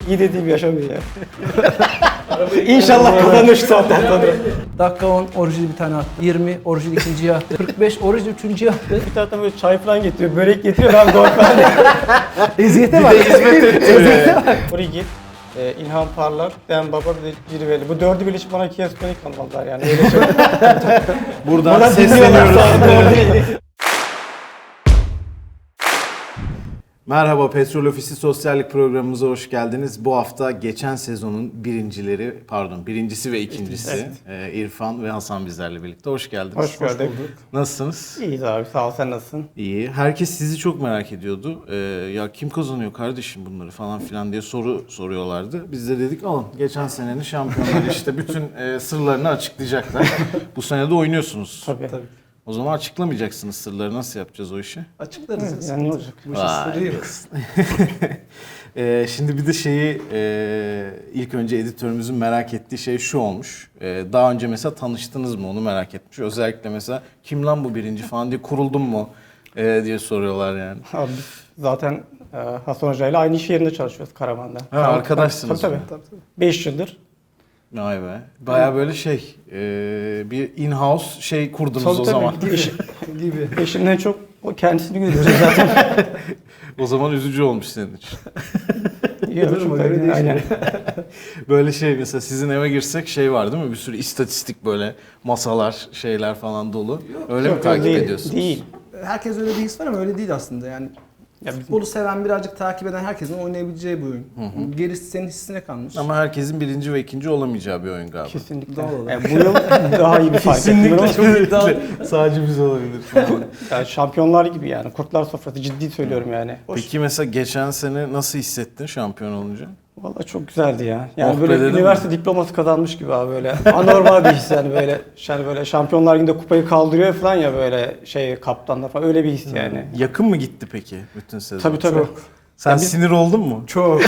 İyi dediğim yaşamıyor ya. İnşallah kazanır şu saatten sonra. Dakika 10 orijinal bir tane attı. 20 orijinal ikinciye attı. 45 orijinal üçüncüye attı. Bir taraftan böyle çay falan getiriyor, börek getiriyor, ben gol falan. Eziyete bak. Eziyete bak. Origi, İlhan Parlak, Ben Baba ve Cirveli. Bu dördü birleşip bana Kia Stonic almalılar yani. Öyle şey. Buradan sesleniyoruz. Merhaba, Petrol Ofisi Sosyallik programımıza hoş geldiniz. Bu hafta geçen sezonun birincisi ve ikincisi İrfan ve Hasan bizlerle birlikte. Hoş geldiniz. Hoş gördük. Nasılsınız? İyiyiz abi, sağ ol, sen nasılsın? İyi. Herkes sizi çok merak ediyordu. Ya kim kazanıyor kardeşim bunları falan filan diye soruyorlardı. Biz de dedik alın. Geçen senenin şampiyonları işte bütün sırlarını açıklayacaklar. Bu sene de oynuyorsunuz. Tabii. O zaman açıklamayacaksınız sırları. Nasıl yapacağız o işi? Açıklarız. Yani ne olacak? Bu işin sırrı yok. Şimdi bir de ilk önce editörümüzün merak ettiği şey şu olmuş. Daha önce mesela tanıştınız mı onu merak etmiş. Özellikle mesela kim lan bu birinci falan diye kuruldun mu diye soruyorlar yani. Abi biz zaten Hasan Hoca ile aynı iş yerinde çalışıyoruz Karaman'da. Ha, arkadaşsınız. Tabii. 5 yıldır. Vay be. Baya böyle bir in-house kurdunuz o zaman. Gibi. Eşimden çok o kendisini görüyoruz zaten. O zaman üzücü olmuş senin için. Çok öyle aynen. Böyle mesela sizin eve girsek var değil mi? Bir sürü istatistik böyle masalar, şeyler falan dolu. Öyle mi takip ediyorsunuz? Değil. Herkes öyle bir his var ama öyle değil aslında yani. Ya futbolu seven, birazcık takip eden herkesin oynayabileceği bir oyun. Gerisi senin hissine kalmış. Ama herkesin birinci ve ikinci olamayacağı bir oyun galiba. Kesinlikle. Doğal olarak. Yani bu yıl daha iyi bir fight. Kesinlikle çok iddialı. Sadece biz olabilir falan. Yani şampiyonlar gibi yani. Kurtlar sofrası, ciddi söylüyorum yani. Peki mesela geçen sene nasıl hissettin şampiyon olunca? Vallahi çok güzeldi ya. Yani Oh be böyle dedim üniversite diploması kazanmış gibi abi böyle. Anormal bir his yani böyle. Yani böyle Şampiyonlar Ligi'nde kupayı kaldırıyor falan ya böyle kaptanla falan, öyle bir his yani. Yakın mı gitti peki bütün sezon? Tabii. Sen Ya biz- sinir oldun mu? Çok.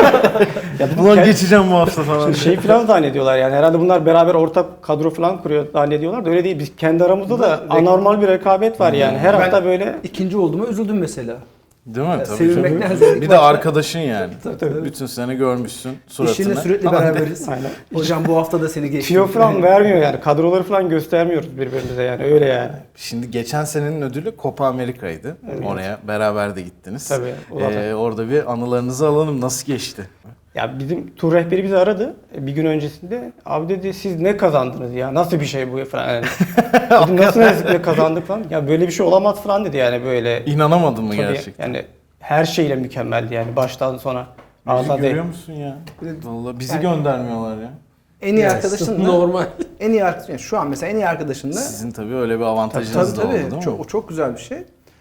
Ya Ulan geçeceğim bu hafta falan. falan zannediyorlar yani. Herhalde bunlar beraber ortak kadro falan kuruyor zannediyorlar da öyle değil. Biz kendi aramızda da anormal bir rekabet var yani. Her hafta böyle. İkinci olduğuma üzüldüm mesela. Değil mi? Tabii. Sevilmekten Bir zevk de var. arkadaşın yani. Tabii. Bütün sene görmüşsün suratını. İşinle sürekli beraberiz. Aynen. Hocam bu hafta da seni geçti. Tiyo falan vermiyor yani. Kadroları falan göstermiyoruz birbirimize yani. Öyle yani. Şimdi geçen senenin ödülü Copa Amerika'ydı. Evet. Oraya beraber de gittiniz. Tabii, o zaten. Orada bir anılarınızı alalım. Nasıl geçti? Ya bizim tur rehberi bizi aradı bir gün öncesinde. Abi dedi siz ne kazandınız ya? Nasıl bir şey bu falan. Yani. Dedim nasıl ne kazandık falan. Ya böyle bir şey olamaz falan dedi yani böyle. İnanamadın mı Tabii, gerçekten? yani her şeyle mükemmeldi yani baştan sona. Bizi Ağza görüyor değil. musun ya? Vallahi bizi göndermiyorlar ya. En iyi arkadaşınla. Normal. En iyi arkadaşın. Yani şu an mesela en iyi arkadaşınla. Sizin tabii öyle bir avantajınız da oldu değil mi? O çok güzel bir şey.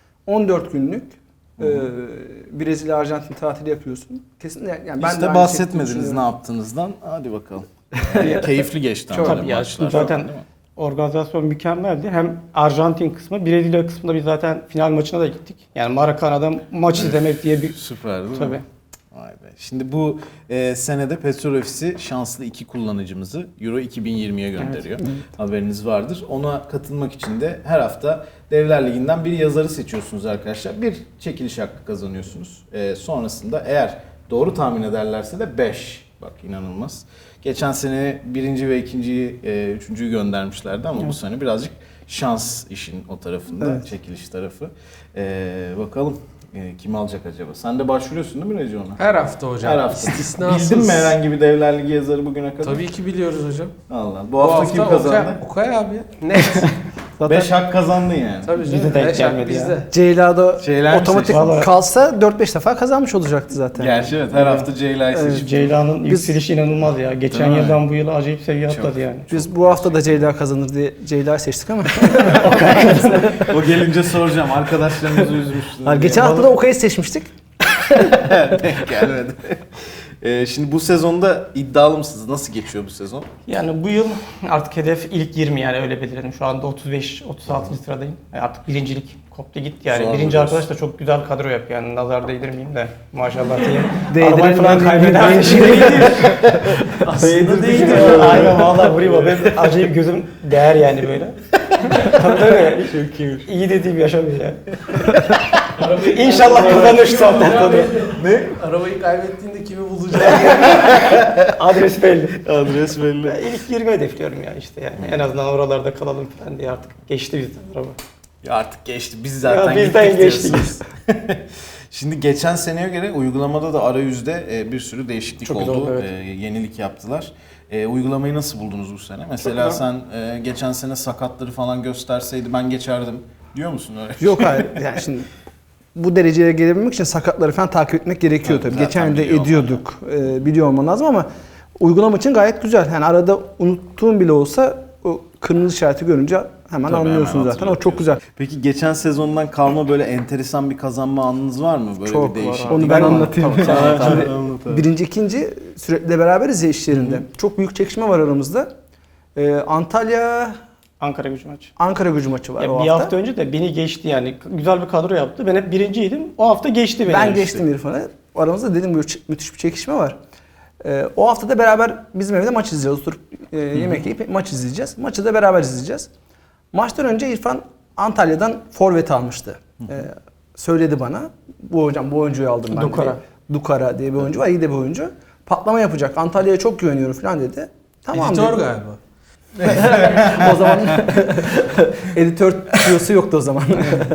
14 günlük Brezilya Arjantin tatili yapıyorsun. Kesinlikle yani Hiç de bahsetmediniz ne yaptığınızdan. Hadi bakalım. Keyifli geçti ama Tabii böyle ya, maçlar. zaten değil mi? organizasyon mükemmeldi. Hem Arjantin kısmı, Brezilya kısmında biz zaten final maçına da gittik. Yani Maracana'da maç izlemek diye bir... Süper değil mi? Tabii. Vay be. Şimdi bu senede Petrol Ofisi şanslı 2 kullanıcımızı Euro 2020'ye gönderiyor. Haberiniz vardır. Ona katılmak için de her hafta Devler Ligi'nden bir yazarı seçiyorsunuz arkadaşlar. Bir çekiliş hakkı kazanıyorsunuz. Sonrasında eğer doğru tahmin ederlerse de 5. Bak inanılmaz. Geçen sene birinci ve ikinciyi, üçüncüyü göndermişlerdi ama bu sene birazcık şans işin o tarafında, çekiliş tarafı. Bakalım. Kim alacak acaba? Sen de başvuruyorsun değil mi Recep ona? Her hafta hocam. Her hafta. İstisnasız. Bildin mi herhangi bir Devler Ligi yazarı bugüne kadar? Tabii ki biliyoruz hocam. Allah. Bu hafta kim kazandı? Okay abi. Ne? 5 hak kazandın yani. Tabii Bize canım. denk Beş gelmedi hak ya. bizde. Ceyla'da Şeyler mi otomatik seçtin? kalsa 4-5 defa kazanmış olacaktı zaten. Gerçi evet her hafta Ceyla'yı seçip. Ceyla'nın yükselişi inanılmaz ya. Geçen Değil mi? yıldan bu yıla acayip seviye Çok. atladı yani. Biz bu hafta da Ceyla kazanır diye Ceyla'yı seçtik ama. O gelince soracağım. Arkadaşlarımızı üzmüştünüz. Geçen hafta da Okay'ı seçmiştik. Denk gelmedi. Şimdi bu sezonda iddialı mısınız? Nasıl geçiyor bu sezon? Yani bu yıl artık hedef ilk 20 yani öyle belirledim. Şu anda 35-36. sıradayım. Artık birincilik koptu gitti yani. Zor Birinci diyorsun. arkadaş da çok güzel kadro yapıyor yani. Nazar değdirmeyeyim de maşallah diye. Değdirelim Arabayı falan kaybeder. Aslında değil. Aynen valla buraya benim acayip gözüm değer yani böyle. Tabii öyle. Çok iyi. İyi dediğim yaşamıyor ya. İnşallah kazanır şu saatten sonra. Ne? Arabayı kaybettiğinde kimi bulacağız? Adres belli. Adres belli. İlk 20 hedefliyorum ya işte yani. En azından oralarda kalalım falan diye artık geçti bizden araba. Ya artık geçti. Biz zaten Ya bizden gittik geçti. diyorsunuz. Şimdi geçen seneye göre uygulamada da arayüzde bir sürü değişiklik Çok güzel oldu. oldu, evet. Yenilik yaptılar. Uygulamayı nasıl buldunuz bu sene? Mesela güzel. sen geçen sene sakatları falan gösterseydi ben geçerdim diyor musun öyle? Yok hayır. Yani şimdi bu dereceye gelebilmek için sakatları falan takip etmek gerekiyor Evet, tabii. zaten Geçen yıl da biliyor ediyorduk. Biliyor olman lazım ama uygulama için gayet güzel. Yani arada unuttuğun bile olsa o kırmızı işareti görünce hemen Tabii, anlıyorsun hemen zaten. O çok güzel. Peki geçen sezondan kalma böyle enteresan bir kazanma anınız var mı? Böyle Çok bir var değişiklik. abi. Onu ben Var. anlatayım. Tamam, Tamam, Şimdi tamam, anlat abi. birinci, ikinci sürekli beraberiz ya iş yerinde. Çok büyük çekişme var aramızda. Antalya Ankara Gücü maçı. Ankara Gücü maçı var Ya o bir hafta. hafta önce de beni geçti yani. Güzel bir kadro yaptı. Ben hep birinciydim. O hafta geçti beni. Ben geçtim İrfan'ı. Aramızda dedim böyle müthiş bir çekişme var. O hafta da beraber bizim evde maç izleyeceğiz. Oturup yemek yiyip maç izleyeceğiz. Maçı da beraber izleyeceğiz. Maçtan önce İrfan Antalya'dan forvet almıştı. Söyledi bana. Bu hocam bu oyuncuyu aldım ben Dukara. dedi. Dukara diye bir oyuncu var. İyi de bir oyuncu. Patlama yapacak. Antalya'ya çok güveniyorum falan dedi. Tamam Editör dedi. galiba. O zaman editör tüyosu yoktu o zaman.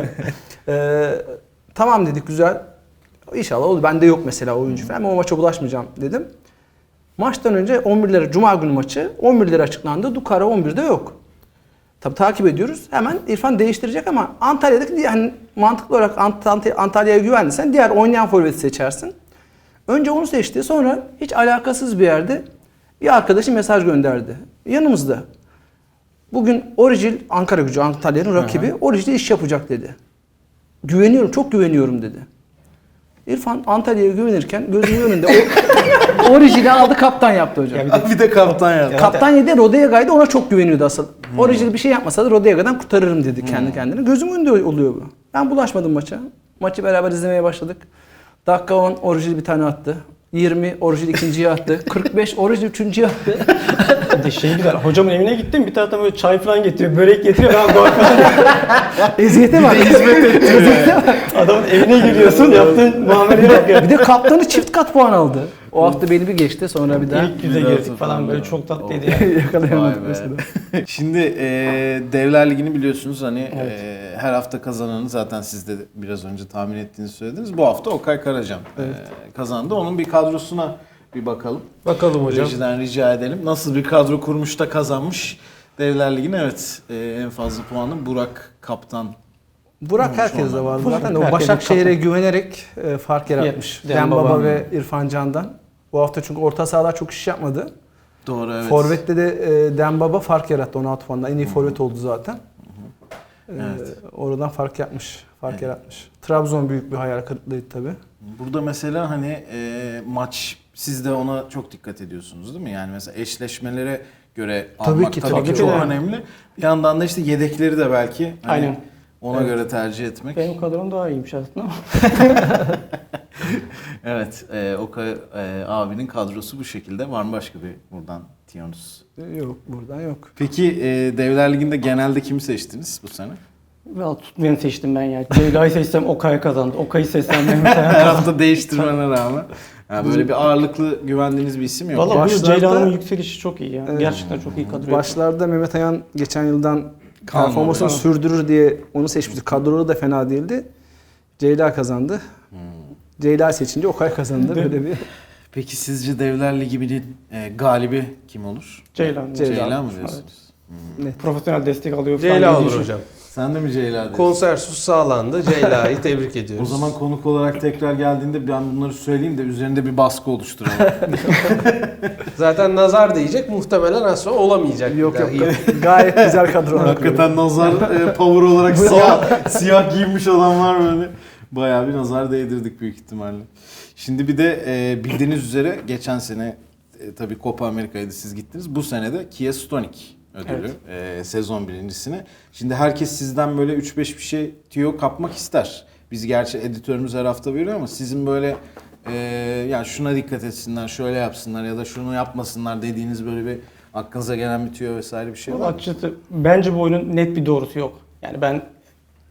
Tamam dedik güzel. İnşallah olur. Bende yok mesela oyuncu falan. Ben o maça bulaşmayacağım dedim. Maçtan önce 11'lere Cuma günü maçı 11'lere açıklandı. Dukara 11'de yok. Tabii takip ediyoruz. Hemen İrfan değiştirecek ama Antalya'daki yani mantıklı olarak Antalya'ya güvenliysen diğer oynayan forveti seçersin. Önce onu seçti. Sonra hiç alakasız bir yerde bir arkadaşı mesaj gönderdi. Yanımızda. Bugün Origil Ankara Gücü Antalya'nın rakibi Origil'de iş yapacak dedi. Güveniyorum, çok güveniyorum dedi. İrfan Antalya'ya güvenirken gözümün önünde Origil'i aldı kaptan yaptı hocam. Ya Bir de kaptan yaptı. Kaptan yedi Rodega'ydı ona çok güveniyordu asıl. Origil bir şey yapmasa da Rodega'dan kurtarırım dedi kendi kendine. Gözümün önünde oluyor bu. Ben bulaşmadım maça. Maçı beraber izlemeye başladık. Dakika 10 Origil bir tane attı. 20 Origil ikinciyi attı. 45 Origil üçüncüyü attı. Bir de şey güzel. Hocamın evine gittim. Bir taraftan böyle çay falan getiriyor. Börek getiriyor. Ben gol falan. Eziyete bak. Adamın evine giriyorsun. Yaptığın muameleye bak ya. Bir de kaptanı çift kat puan aldı. O hafta beni bir geçti sonra bir daha İlk yüze Bir daha girdik sıfır falan böyle oldu. çok tatlıydı yani. yakalayamadık Vay be. mesela. Şimdi Devler Ligi'ni biliyorsunuz hani her hafta kazananı zaten siz de biraz önce tahmin ettiğinizi söylediniz. Bu hafta Okay Karacan kazandı. Onun bir kadrosuna bir bakalım. Bakalım hocam. Rejiden rica edelim. Nasıl bir kadro kurmuş da kazanmış Devler Ligi'ni? Evet en fazla puanı Burak Kaptan. Burak herkeste vardı Burak zaten. O herkes Başakşehir'e kaptan. güvenerek fark yaratmış. Yetmiş. Dembaba. Dembaba ve İrfan Can'dan. Bu hafta çünkü orta sahalar çok iş yapmadı. Doğru evet. Forvet'te de Dembaba fark yarattı 16 puanla. En iyi forvet oldu zaten. Evet. Oradan fark yapmış. Fark yaratmış. Trabzon büyük bir hayal kırıklığıydı tabii. Burada mesela hani maç siz de ona çok dikkat ediyorsunuz değil mi? Yani mesela eşleşmelere göre Tabii almak ki, tabii tabii ki ki çok de. önemli. Bir yandan da işte yedekleri de belki hani Aynen. ona Evet. göre tercih etmek. Benim kadrom daha iyiymiş aslında ama. Evet, Okay abinin kadrosu bu şekilde. Var mı başka bir buradan Tiyonus? Yok buradan yok. Peki Devler Ligi'nde genelde kimi seçtiniz bu sene? Valla tutmayanı seçtim ben ya. Ceyla'yı seçsem Okay kazandı. Okay'ı seçsem Mehmet Ayan Her kazandı. hafta değiştirmene rağmen. Yani böyle bir ağırlıklı güvendiğiniz bir isim yok. Valla bu yıl Başlarda- Ceyla'nın yükselişi çok iyi ya. Gerçekten çok iyi kadro. Başlarda Mehmet Ayan geçen yıldan Kalmadı. performansını Tamam. sürdürür diye onu seçmiştik. Kadroları da fena değildi. Ceyla kazandı. Ceyla seçince Okay kazandı. Böyle bir Peki sizce Devler Ligi'nin galibi kim olur? Ceylan. Ceyla mı diyorsunuz? Evet. Profesyonel destek alıyor falan. Ceyla dediği olur için. hocam. Sen de mi Ceyla diyorsun? Konsensus sağlandı. Ceyla'yı tebrik O ediyoruz. zaman konuk olarak tekrar geldiğinde ben bunları söyleyeyim de üzerinde bir baskı oluşturalım. Zaten nazar diyecek, muhtemelen az sonra olamayacak. yok bir daha. yok. Gayet güzel kadro. Hakikaten nazar power olarak siyah giymiş olan var böyle. Bayağı bir nazar değdirdik büyük ihtimalle. Şimdi bir de bildiğiniz üzere geçen sene tabii Copa Amerika'ydı siz gittiniz. Bu sene de Kia Stonic ödülü sezon birincisine. Şimdi herkes sizden böyle 3-5 bir şey tüyo kapmak ister. Biz gerçi editörümüz her hafta veriyor ama sizin böyle yani şuna dikkat etsinler, şöyle yapsınlar ya da şunu yapmasınlar dediğiniz böyle bir aklınıza gelen bir tüyo vesaire bir şey var mı? Açıkçası bence bu oyunun net bir doğrusu yok. Yani ben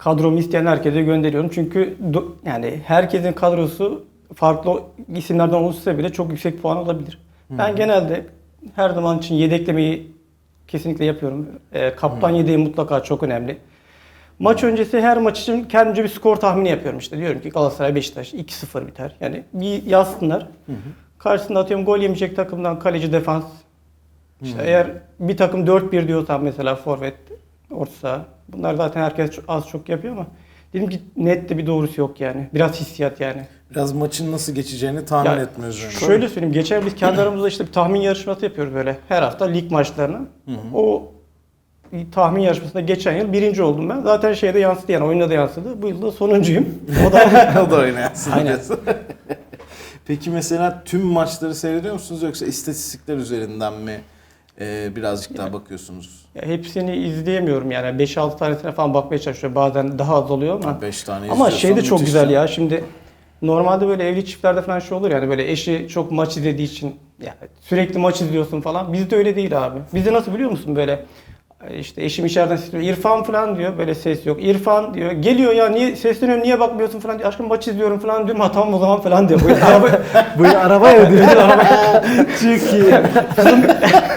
kadromu isteyen herkese gönderiyorum. Çünkü yani herkesin kadrosu farklı isimlerden oluşsa bile çok yüksek puan alabilir. Ben genelde her zaman için yedeklemeyi kesinlikle yapıyorum. Kaptan yedeği mutlaka çok önemli. Maç öncesi her maç için kendimce bir skor tahmini yapıyorum işte. Diyorum ki Galatasaray Beşiktaş 2-0 biter. Yani bir yazsınlar. Karşısında atıyorum gol yemeyecek takımdan kaleci defans. İşte eğer bir takım 4-1 diyorsam mesela forvet, orta saha. Bunlar zaten herkes az çok yapıyor ama dedim ki net de bir doğrusu yok yani. Biraz hissiyat yani. Biraz maçın nasıl geçeceğini tahmin Ya, etmiyoruz. şöyle söyleyeyim. Geçen biz kendi aramızda işte bir tahmin yarışması yapıyoruz böyle. Her hafta lig maçlarını. O tahmin yarışmasında geçen yıl birinci oldum ben. Zaten şeyde yansıdı yani oyunda da yansıdı. Bu yıl da sonuncuyum. O da O da oynayasın. Aynen. Peki mesela tüm maçları seyrediyor musunuz yoksa istatistikler üzerinden mi birazcık daha bakıyorsunuz? ya hepsini izleyemiyorum yani 5-6 tanesine falan bakmaya çalışıyorum. Bazen daha az oluyor ama. 5 tane Ama izliyorsan şey de çok müthiş güzel yani. ya. Şimdi normalde böyle evli çiftlerde falan şey olur yani böyle eşi çok maç izlediği için yani sürekli maç izliyorsun falan. Bizde öyle değil abi. Bizde nasıl biliyor musun böyle işte eşim içeriden sesleniyor. İrfan falan diyor. Böyle ses yok. İrfan diyor. Geliyor ya niye sesleniyorum niye bakmıyorsun falan diyor. Aşkım maç izliyorum falan diyorum. Ha tamam o zaman falan diyor. Böyle araba Böyle arabaya diyor. çok iyi. Kızım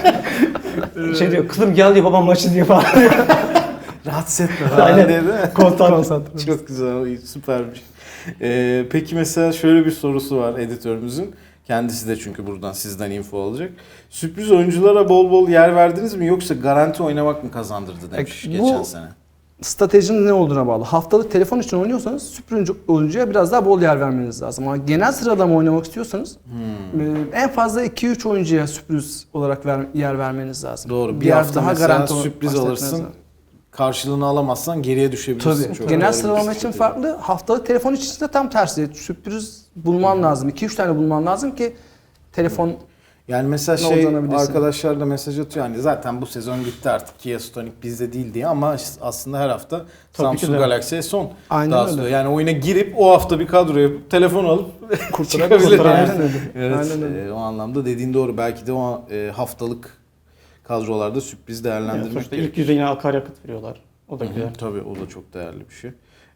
şey diyor. Kızım gel diyor babam maç izliyor falan. Rahatsız etme falan Aynen. diye değil mi? Konsantre. Çok güzel, iyi, süpermiş. Peki mesela şöyle bir sorusu var editörümüzün. Kendisi de çünkü buradan sizden info alacak. Sürpriz oyunculara bol bol yer verdiniz mi yoksa garanti oynamak mı kazandırdı demiş Bu- geçen sene. Stratejinin ne olduğuna bağlı. Haftalık telefon için oynuyorsanız sürpriz oyuncuya biraz daha bol yer vermeniz lazım. Ama genel sıralama oynamak istiyorsanız en fazla 2-3 oyuncuya sürpriz olarak yer vermeniz lazım. Doğru. Bir Diğer hafta mesela garanti sürpriz bahsetmeniz alırsın. lazım. Karşılığını alamazsan geriye düşebilirsin. Tabii. Çok Genel doğru bir sıralama için strateji. farklı. Haftalık telefon için de tam tersi. Sürpriz bulman lazım. 2-3 tane bulman lazım ki telefon Yani mesela Ne olacağını bilirsin. arkadaşlar da mesaj atıyor yani zaten bu sezon gitti artık Kia Stonic bizde değil diye ama aslında her hafta Tabii ki Samsung de. Galaxy S10 Aynen daha öyle. sonra. Yani oyuna girip o hafta bir kadro yapıp telefon alıp kurtarabilir. çıkabilir. Aynen öyle. Evet, Aynen öyle. o anlamda dediğin doğru. Belki de o haftalık kadrolarda sürpriz Yani değerlendirmek sonuçta gerekiyor. ilk yüze yine akaryakıt veriyorlar. O da güzel. Tabii o da çok değerli bir şey.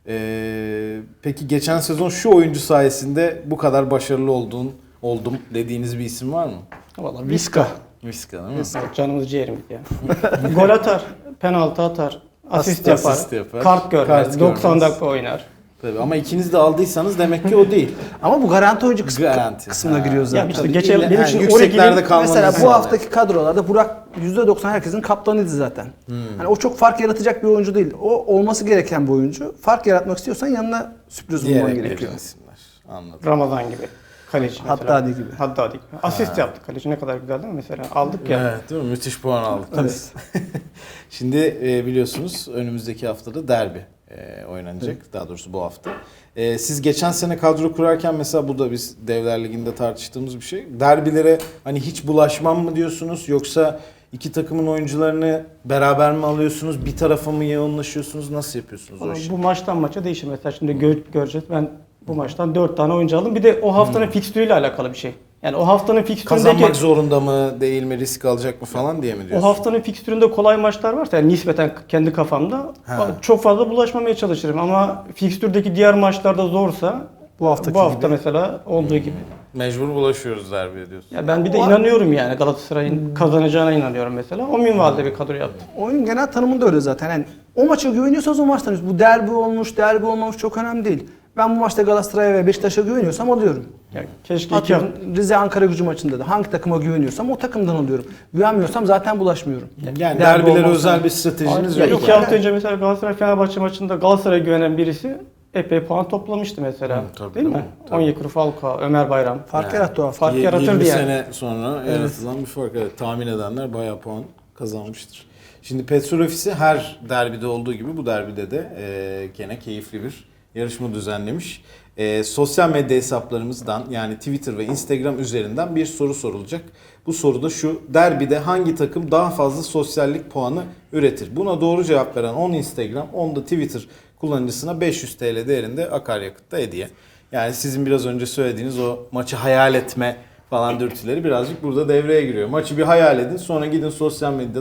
Peki geçen sezon şu oyuncu sayesinde bu kadar başarılı oldum dediğiniz bir isim var mı? Valla Vizca. Viska değil mi? Canımız ciğerimiz ya. Gol atar, penaltı atar, asist yapar, kart görmez, kart 90 görmez. dakika oynar. Tabii ama ikiniz de aldıysanız demek ki o değil. Ama bu garanti oyuncu Garanti. kısmına Ha. giriyor zaten. Ya işte Tabii geçen illa- benim için yükseklerde oraya kalmanızı Mesela bu sağlıyor. haftaki kadrolarda Burak %90 herkesin kaptanıydı zaten. Hani o çok fark yaratacak bir oyuncu değil. O olması gereken bir oyuncu. Fark yaratmak istiyorsan yanına sürpriz bulman Diyerek gerekiyor. verilen isimler. Anladım. Ramazan gibi. Kaleci mesela. Haddadi gibi. Haddadi gibi. Asist yaptı kaleci ne kadar güzel değil mi mesela? Aldık ya. Evet değil mi? Müthiş puan aldık. Evet. Şimdi biliyorsunuz önümüzdeki haftada derbi oynanacak. Daha doğrusu bu hafta. Siz geçen sene kadro kurarken mesela bu da biz Devler Ligi'nde tartıştığımız bir şey. Derbilere hani hiç bulaşmam mı diyorsunuz yoksa iki takımın oyuncularını beraber mi alıyorsunuz? Bir tarafa mı yoğunlaşıyorsunuz? Nasıl yapıyorsunuz o Ama işi? bu maçtan maça değişir. Mesela şimdi göreceğiz. Ben bu maçtan 4 tane oyuncu aldım. Bir de o haftanın fikstürüyle alakalı bir şey. Yani o haftanın fikstüründeki Kazanmak zorunda mı değil mi risk alacak mı falan diye mi o diyorsun? haftanın fikstüründe kolay maçlar varsa yani nispeten kendi kafamda Ha. çok fazla bulaşmamaya çalışırım ama fikstürdeki diğer maçlarda zorsa Bu haftaki bu hafta gibi. mesela olduğu gibi. Mecbur bulaşıyoruz derbiye diyorsun. Ya ben bir de inanıyorum yani Galatasaray'ın kazanacağına inanıyorum mesela. O minvalde bir kadro yaptım. Oyun genel tanımında öyle zaten. Yani o maça güveniyorsanız o maçtan bu derbi olmuş, derbi olmamış çok önemli değil. Ben bu maçta Galatasaray'a ve Beşiktaş'a güveniyorsam alıyorum. Yani keşke iki hafta, Atıyorum Rize Ankara Gücü maçında da hangi takıma güveniyorsam o takımdan alıyorum. Güvenmiyorsam zaten bulaşmıyorum. Yani Derbi derbilere olmazsa- özel bir stratejiniz ya yok. iki hafta önce mesela Galatasaray Fenerbahçe maçında Galatasaray'a güvenen birisi epey puan toplamıştı mesela. Hı, tabii, değil mi? tabii, tabii. Onyekuru, Falcao, Ömer Bayram. Fark Yani. yarattı o hafta. Fark yaratırdı 20 yani. sene sonra yaratılan bir fark. Evet, tahmin edenler bayağı puan kazanmıştır. Şimdi Petrol Ofisi her derbide olduğu gibi bu derbide de gene keyifli bir yarışma düzenlemiş. Sosyal medya hesaplarımızdan yani Twitter ve Instagram üzerinden bir soru sorulacak. Bu soru da şu: derbide hangi takım daha fazla sosyallik puanı üretir? Buna doğru cevap veren 10 Instagram, 10 da Twitter kullanıcısına 500 TL değerinde akaryakıtta hediye. Yani sizin biraz önce söylediğiniz o maçı hayal etme falan dürtüleri birazcık burada devreye giriyor. Maçı bir hayal edin, sonra gidin sosyal medyadan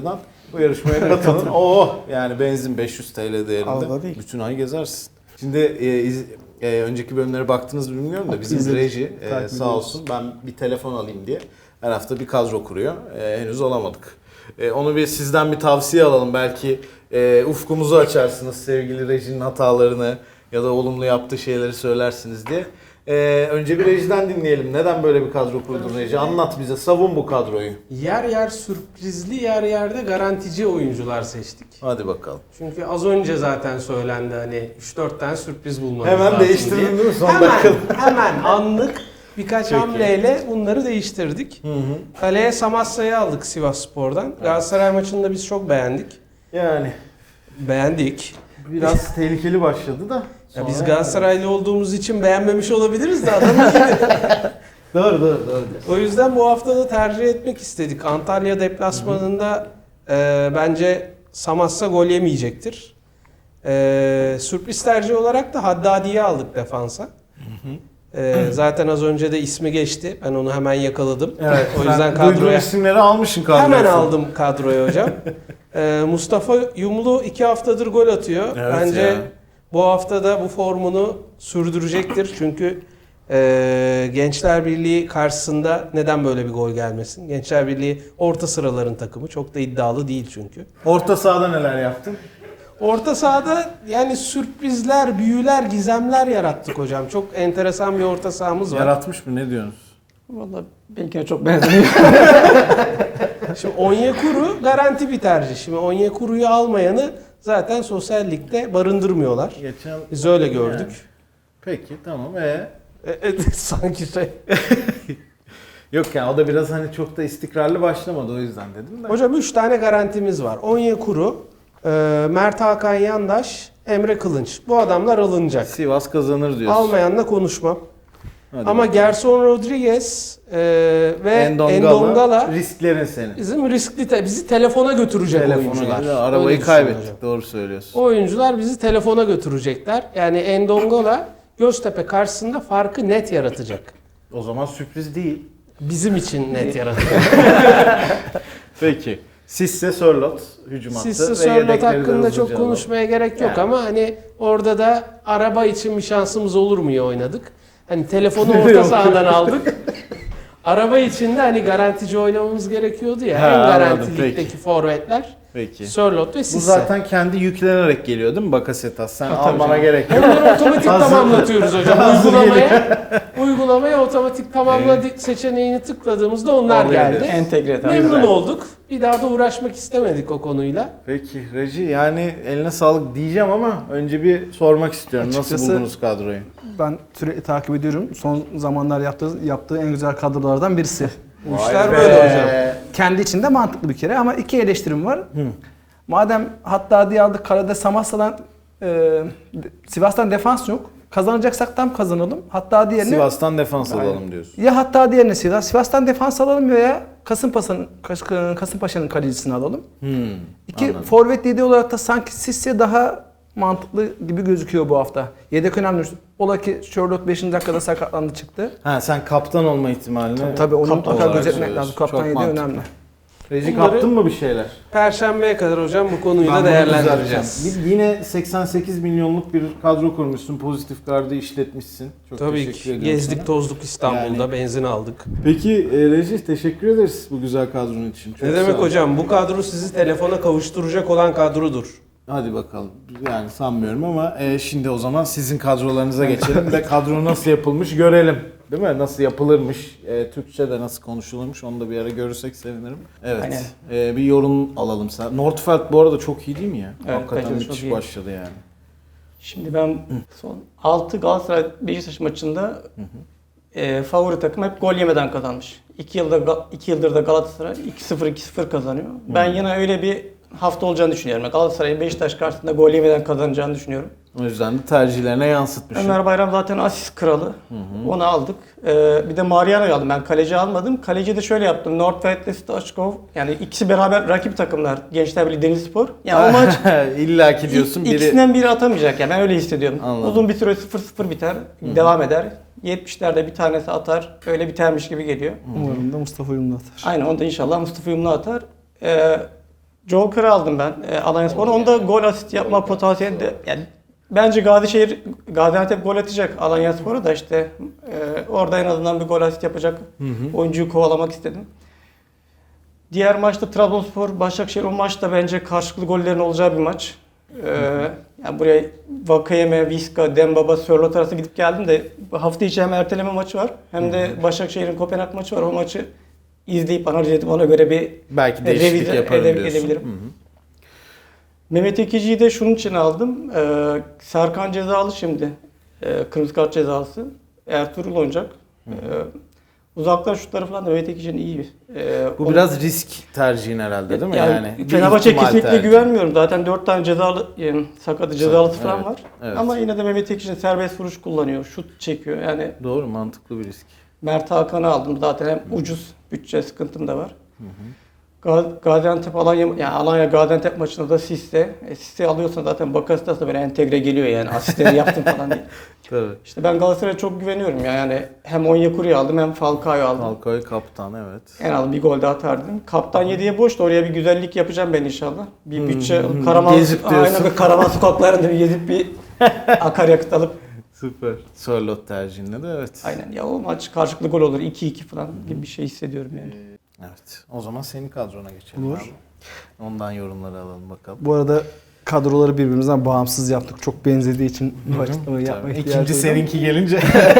Bu yarışmaya katılın. Oh yani benzin 500 TL değerinde. Allah değil. Bütün ay gezersin. Şimdi önceki bölümlere baktınız mı bilmiyorum da bizim İzledik. reji Takip sağ ediyoruz. olsun ben bir telefon alayım diye her hafta bir kadro kuruyor. Henüz olamadık. Onu bir sizden bir tavsiye alalım. Belki ufkumuzu açarsınız sevgili rejinin hatalarını ya da olumlu yaptığı şeyleri söylersiniz diye. Önce bir rejiden dinleyelim. Neden böyle bir kadro kurdun reji? Anlat bize. Savun bu kadroyu. Yer yer sürprizli, yer yerde garantici oyuncular seçtik. Hadi bakalım. Çünkü az önce zaten söylendi hani 3-4 tane sürpriz bulmanız Hemen lazım değiştirdin diye. değil mi son dakikada? Hemen anlık birkaç Peki. hamleyle bunları değiştirdik. Kaleye Samassa'yı aldık Sivasspor'dan. Galatasaray maçını da biz çok beğendik. Yani Beğendik. biraz tehlikeli başladı da. Ya biz sonra- Galatasaraylı olduğumuz için beğenmemiş olabiliriz de adamın iyiydi. Doğru. O yüzden bu hafta da tercih etmek istedik. Antalya deplasmanında bence Samassa gol yemeyecektir. Sürpriz tercih olarak da Haddadi'yi aldık defansa. Zaten az önce de ismi geçti. Ben onu hemen yakaladım. Evet. O yüzden sen duyduğun kadroya isimleri almışsın kadroya. hemen aldım kadroya hocam. Mustafa Yumlu 2 haftadır gol atıyor. Evet Bence ya. bu hafta da bu formunu sürdürecektir. Çünkü Gençler Birliği karşısında neden böyle bir gol gelmesin? Gençler Birliği orta sıraların takımı. Çok da iddialı değil çünkü. Orta sahada neler yaptın? Orta sahada yani sürprizler, büyüler, gizemler yarattık hocam. Çok enteresan bir orta sahamız var. Yaratmış mı? Ne diyorsunuz? Vallahi benimkine çok benzemiyor. Şimdi Onyekuru garanti bir tercih. Şimdi Onyekuru'yu almayanı zaten sosyal ligde barındırmıyorlar. Geçen... Biz öyle gördük. Yani. Peki tamam. Sanki şey. Yok yani o da biraz hani çok da istikrarlı başlamadı o yüzden dedim de. Hocam 3 tane garantimiz var. Onyekuru, Mert Hakan Yandaş, Emre Kılınç. Bu adamlar alınacak. Sivas kazanır diyorsun. Almayanla konuşmam. Hadi Ama bakalım. Gerson Rodriguez ve Endongala Endongala risklerin senin. bizim riskli bizi telefona götürecek oyuncular. Telefonu arabayı Öyle düşünün kaybettik. hocam. Doğru söylüyorsun. O oyuncular bizi telefona götürecekler. Yani Endongala Göztepe karşısında farkı net yaratacak. O zaman sürpriz değil. Bizim için net yaratacak. Peki. Sisse Sörloth hücum hattı. Sisse ve Sörloth yedekleri de hakkında hızlıca çok alalım. konuşmaya gerek yok Yani. ama hani orada da araba için bir şansımız olur mu ya oynadık. Hani telefonu Yok. orta sahadan aldık. Araba için de hani garantici oynamamız gerekiyordu ya. Ha, en anladım, garantilikteki peki. forvetler Peki. Sörloth ve Sisse. Bu zaten kendi yüklenerek geliyor değil mi Bakasetas? Sen tabii almana canım. gerek yok. Onları otomatik Hazır. tamamlatıyoruz hocam. Hazır Uygulamaya otomatik tamamla seçeneğini tıkladığımızda onlar Oluyor geldi. diyorsun. Entegre tabii. Memnun olduk. Bir daha da uğraşmak istemedik o konuyla. Peki Reji yani eline sağlık diyeceğim ama önce bir sormak istiyorum. Nasıl Açıkçası- buldunuz kadroyu? Ben sürekli takip ediyorum. Son zamanlar yaptığı en güzel kadrolardan birisi. Bu işler Vay böyle be. hocam. Kendi içinde mantıklı bir kere ama iki eleştirim var. Madem Haddadi'yi aldık, kalede Samassa'dan, Sivas'tan defans yok. Kazanacaksak tam kazanalım. Haddadi yerine Sivas'tan defans alalım diyorsun. ya Haddadi yerine Sivas'tan defans alalım veya Kasımpaşa'nın kalecisini alalım. İki Anladım. forvet yediği olarak da sanki Sisse daha mantıklı gibi gözüküyor bu hafta. Yedek önemli. Ola ki Sherlock 5. dakikada sakatlandı çıktı. Ha sen kaptan olma ihtimalini Tabii onu kaptan mutlaka olarak gözetmek söylüyorsun. lazım. Kaptan Çok yediği mantıklı. önemli. Reji Bunları- kaptın mı bir şeyler? Perşembeye kadar hocam bu konuyu Ben da bunu değerlendireceğiz. düzelteceğim. Yine 88 milyonluk bir kadro kurmuşsun. Pozitif gardı işletmişsin. Çok Tabii teşekkür ki. ediyorum Gezdik sana. tozduk İstanbul'da, Yani- benzin aldık. Peki Reji teşekkür ederiz bu güzel kadronun için. Çok Ne sağ demek ol. hocam? Bu kadro sizi telefona kavuşturacak olan kadrodur. Hadi bakalım. Yani sanmıyorum ama şimdi o zaman sizin kadrolarınıza geçelim de kadro nasıl yapılmış görelim. Değil mi? Nasıl yapılırmış, Türkçe'de nasıl konuşulurmuş onu da bir ara görürsek sevinirim. Evet. Aynen. Bir yorum alalım sen. Nordfeld bu arada çok iyi değil mi ya? Evet, Hakikaten bence de çok müthiş iyi. başladı yani. Şimdi ben son 6 Galatasaray Beşiktaş maçında favori takım hep gol yemeden kazanmış. 2 yıldır da Galatasaray 2-0 kazanıyor. Ben yine öyle bir hafta olacağını düşünüyorum. Galatasaray'ın Beşiktaş karşısında gol yemeden kazanacağını düşünüyorum. O yüzden de tercihlerine yansıtmışsın. Ömer Bayram zaten asist kralı. Onu aldık. Bir de Mariano'yu aldım. Ben kaleci almadım. Kaleci de şöyle yaptım. Nordfeld ile Stoichkov. Yani ikisi beraber rakip takımlar. Gençler Birliği Denizlispor. Yani o maç İlla ki diyorsun biri... ikisinden biri atamayacak. Yani ben öyle hissediyorum. Anladım. Uzun bir süre 0-0 biter. Devam eder. 70'lerde bir tanesi atar. Öyle bitermiş gibi geliyor. Umarım da Mustafa Yumlu atar. Aynen onda inşallah Mustafa Yumlu atar. Joker'ı aldım ben Alanyaspor'un. Onda gol asist yapma potansiyeli de yani bence Gaziantep gol atacak Alanyaspor'a da işte orada en azından bir gol asist yapacak oyuncuyu kovalamak istedim. Diğer maçta Trabzonspor Başakşehir, o maç da bence karşılıklı gollerin olacağı bir maç. Yani buraya Vakayeme, Viska, Dembaba, Sörloth arası gidip geldim de hafta içi hem erteleme maçı var hem de Başakşehir'in Kopenhag maçı var. O maçı izleyip analiz edip ona göre bir Belki değişiklik revize yaparım diyorsun. edebilirim. Mehmet Ekici'yi de şunun için aldım. Serkan cezalı şimdi. Kırmızı kart cezalısı. Ertuğrul oynayacak. Uzaktan şutları falan da Mehmet Ekici'nin iyi. Bu biraz risk tercihin herhalde değil mi? Yani bir Fenerbahçe ihtimal kesinlikle tercih. güvenmiyorum. Zaten 4 tane cezalı, sakatı cezalısı falan Evet, var. evet. Ama yine de Mehmet Ekici'nin serbest vuruş kullanıyor. Şut çekiyor. Yani Doğru, mantıklı bir risk. Mert Hakan'ı aldım. Zaten hem ucuz, bütçe sıkıntım da var. Gaziantep Alanya Gaziantep maçında da Sisse alıyorsan zaten Bakasetas da böyle entegre geliyor yani asistleri yaptım falan diye. Tabii. İşte ben Galatasaray'a çok güveniyorum ya. Yani hem Onyekuru'yu aldım hem Falcao'yu aldım. Falcao kaptan, evet. En az bir gol daha atardım. Kaptan 7'ye boş da oraya bir güzellik yapacağım ben inşallah. Bir bütçe Gezip diyorsun. aynen bir Karaman sokaklarında bir gezip bir akaryakıt alıp Süper. Sörloth tercihinde de evet. aynen ya o maç karşılıklı gol olur 2-2 falan gibi bir şey hissediyorum yani. Evet. O zaman senin kadrona geçelim. Olur. Abi. Ondan yorumları alalım bakalım. Bu arada kadroları birbirimizden bağımsız yaptık. Çok benzediği için bu açıklamayı yapmaya Tabii. ihtiyacı İkinci duydum. seninki gelince.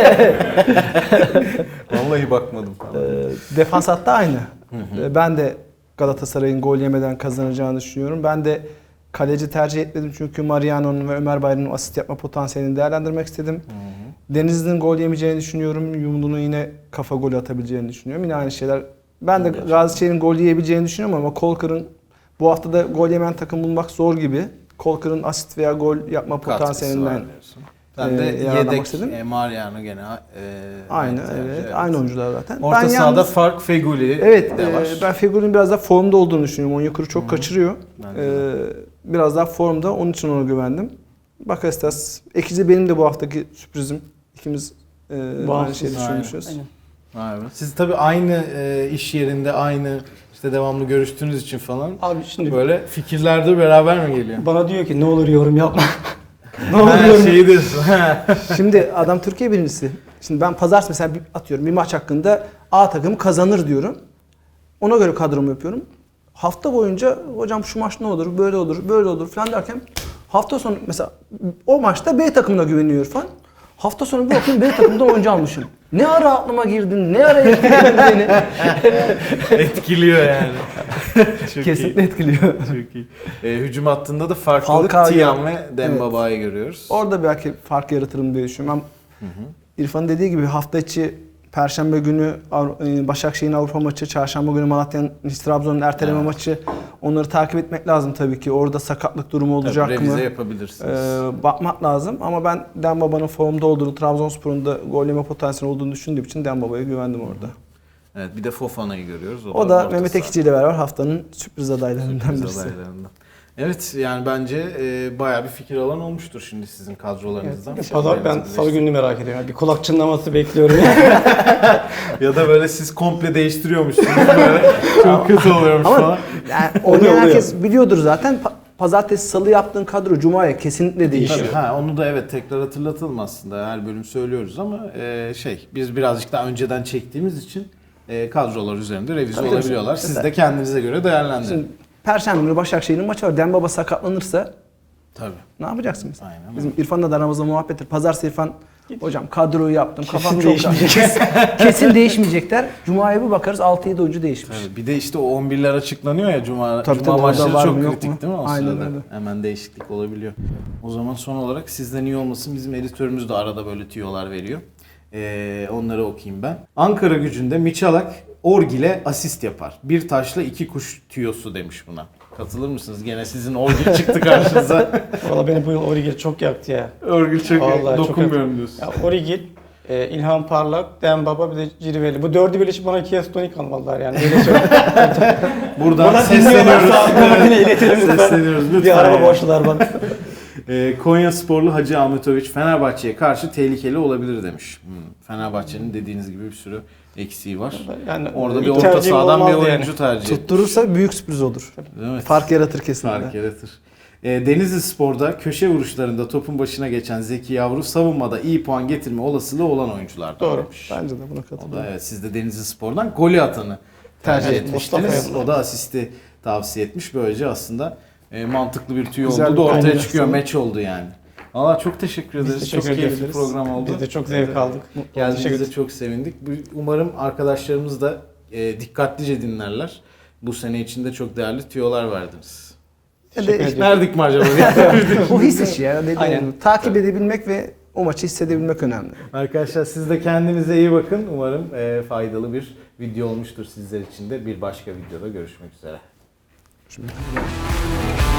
Vallahi bakmadım falan. Defans hattı aynı. Ben de Galatasaray'ın gol yemeden kazanacağını düşünüyorum. Ben de kaleci tercih etmedim çünkü Mariano'nun ve Ömer Bayram'ın asist yapma potansiyelini değerlendirmek istedim. Denizli'nin gol yemeyeceğini düşünüyorum. Yumlu'nun yine kafa golü atabileceğini düşünüyorum. Yine aynı şeyler. Ben de Gazişehir'in gol yiyebileceğini düşünüyorum ama Kolkır'ın bu hafta da gol yemeyen takım bulmak zor gibi. Kolkır'ın asist veya gol yapma Katkısı potansiyelinden var diyorsun. Ben de yararlanmak yedek istedim. Mariano gene Aynı tercih, evet. Aynı oyuncular zaten. Orta Ben sahada yalnız- fark Feguli Evet, de var. ben Fegül'ün biraz daha formda olduğunu düşünüyorum. Onyekuru çok kaçırıyor. Ben de. Biraz daha formda, onun için ona güvendim. Bakasetas, Ekici benim de bu haftaki sürprizim. İkimiz aynı Bağımsız, şeyi aynen. düşünmüşüz. Aynen. Vay be. Siz tabii aynı iş yerinde aynı işte devamlı görüştüğünüz için falan Abi şimdi böyle fikirlerde beraber mi geliyor? bana diyor ki ne olur yorum yapma. ne olur Ha, yorum şeyi diyorsun. Şimdi adam Türkiye birincisi. Şimdi ben pazartesi mesela atıyorum bir maç hakkında A takımı kazanır diyorum. Ona göre kadromu yapıyorum. Hafta boyunca hocam şu maç ne olur, böyle olur, böyle olur falan derken hafta sonu mesela o maçta B takımına güveniyor falan. Hafta sonu bir bakayım B takımda oyuncu almışım. Ne ara aklıma girdin, ne ara etkiledin beni. Etkiliyor yani. Çok Kesinlikle iyi. etkiliyor. Çok iyi. Hücum hattında da farklılık Falcao Tiam ve Dembaba'yı görüyoruz. Orada belki fark yaratırım diye düşünüyorum. İrfan'ın dediği gibi hafta içi Perşembe günü Başakşehir'in Avrupa maçı, Çarşamba günü Malatya'nın Trabzon'un erteleme Evet. maçı. Onları takip etmek lazım tabii ki. Orada sakatlık durumu olacak Tabii, mı? revize yapabilirsiniz. Bakmak lazım ama ben Dembaba'nın formda olduğunu, Trabzonspor'un da gol yeme potansiyeli olduğunu düşündüğüm için Dembaba'ya güvendim orada. Evet, bir de Fofana'yı görüyoruz. O da orta Mehmet saha. Ekici ile beraber haftanın sürpriz adaylarından Sürpriz birisi. adaylarından. Evet, yani bence bayağı bir fikir alan olmuştur şimdi sizin kadrolarınızdan. ben salı gününü merak ediyorum. Yani bir kulak çınlaması bekliyorum. Ya da böyle siz komple değiştiriyormuşsunuz böyle. Çok kötü oluyormuş Ama falan. yani Oluyor, oynayan oluyor. herkes biliyordur zaten. Pazartesi, salı yaptığın kadro Cuma'ya kesinlikle değişiyor. Tabii, onu da evet tekrar hatırlatalım aslında. Her bölüm söylüyoruz ama biz birazcık daha önceden çektiğimiz için kadrolar üzerinde revize Tabii, olabiliyorlar. tabii. Siz de kendinize göre değerlendirin. Şimdi Perşembe günü Başakşehir'in maçı var. Dembaba sakatlanırsa Tabii. ne yapacaksın mesela? Aynen. Bizim İrfan'la da aramızda muhabbettir. Pazartesi İrfan, hocam kadroyu yaptım. Kafam çok değişmeyecek. Kesin değişmeyecekler. Cuma'ya bir bakarız 6-7 oyuncu değişmiş. Tabii. Bir de işte o 11'ler açıklanıyor ya Cuma Tabii, Cuma tabii, maçları orada var çok mı, yok kritik mu? değil mi o Aynen sırada? öyle. Hemen değişiklik olabiliyor. O zaman son olarak sizden iyi olmasın bizim editörümüz de arada böyle tüyolar veriyor. Onları okuyayım ben. Ankara Gücü'nde Miçalak Orgil'e asist yapar. Bir taşla iki kuş tüyosu demiş buna. Katılır mısınız? Gene sizin Orgil çıktı karşınıza. Valla beni bu yıl Origil çok yaktı ya. Orgil çok Vallahi çok dokunmuyorum diyorsun. Ya Origil, İlhan Parlak, Dembaba bir de Cirveli. Bu dördü birleşip bana Kies Tonik almalılar yani. Öyle söyleyeyim. Buradan sesleniyoruz. Bana iletelim lütfen. Sesleniyoruz lütfen. Bir araba yani. borçlular bana. Konya sporlu Hacı Ahmetoviç Fenerbahçe'ye karşı tehlikeli olabilir demiş. Fenerbahçe'nin dediğiniz gibi bir sürü eksiği var. Yani Orada bir ilk orta tercihim sahadan bir olmazdı oyuncu yani. tercih etmiş. Tutturursa büyük sürpriz olur. Evet. Fark yaratır kesinlikle. Fark yaratır. Denizli Spor'da köşe vuruşlarında topun başına geçen Zeki Yavru savunmada iyi puan getirme olasılığı olan oyunculardan Doğru. demiş. Bence de buna O da katılıyorum. evet, siz de Denizli Spor'dan golü atanı tercih Tercih etmiştiniz. Mustafa O da asisti tavsiye etmiş. Böylece aslında mantıklı bir tüy Güzel oldu bir da ortaya kombinasyon. çıkıyor. Meç oldu yani. Valla çok teşekkür ederiz. teşekkür çok keyifli ederiz. program oldu. Biz de çok zevk aldık. Teşekkür Geldiğinizde ederiz. çok sevindik. Umarım arkadaşlarımız da dikkatlice dinlerler. Bu sene içinde çok değerli tüyolar verdiniz. Ya da Verdik mi acaba? bu his işi ya. Dediğim Aynen. gibi. Takip edebilmek ve o maçı hissedebilmek önemli. Arkadaşlar siz de kendinize iyi bakın. Umarım faydalı bir video olmuştur sizler için de. Bir başka videoda görüşmek üzere. Şimdi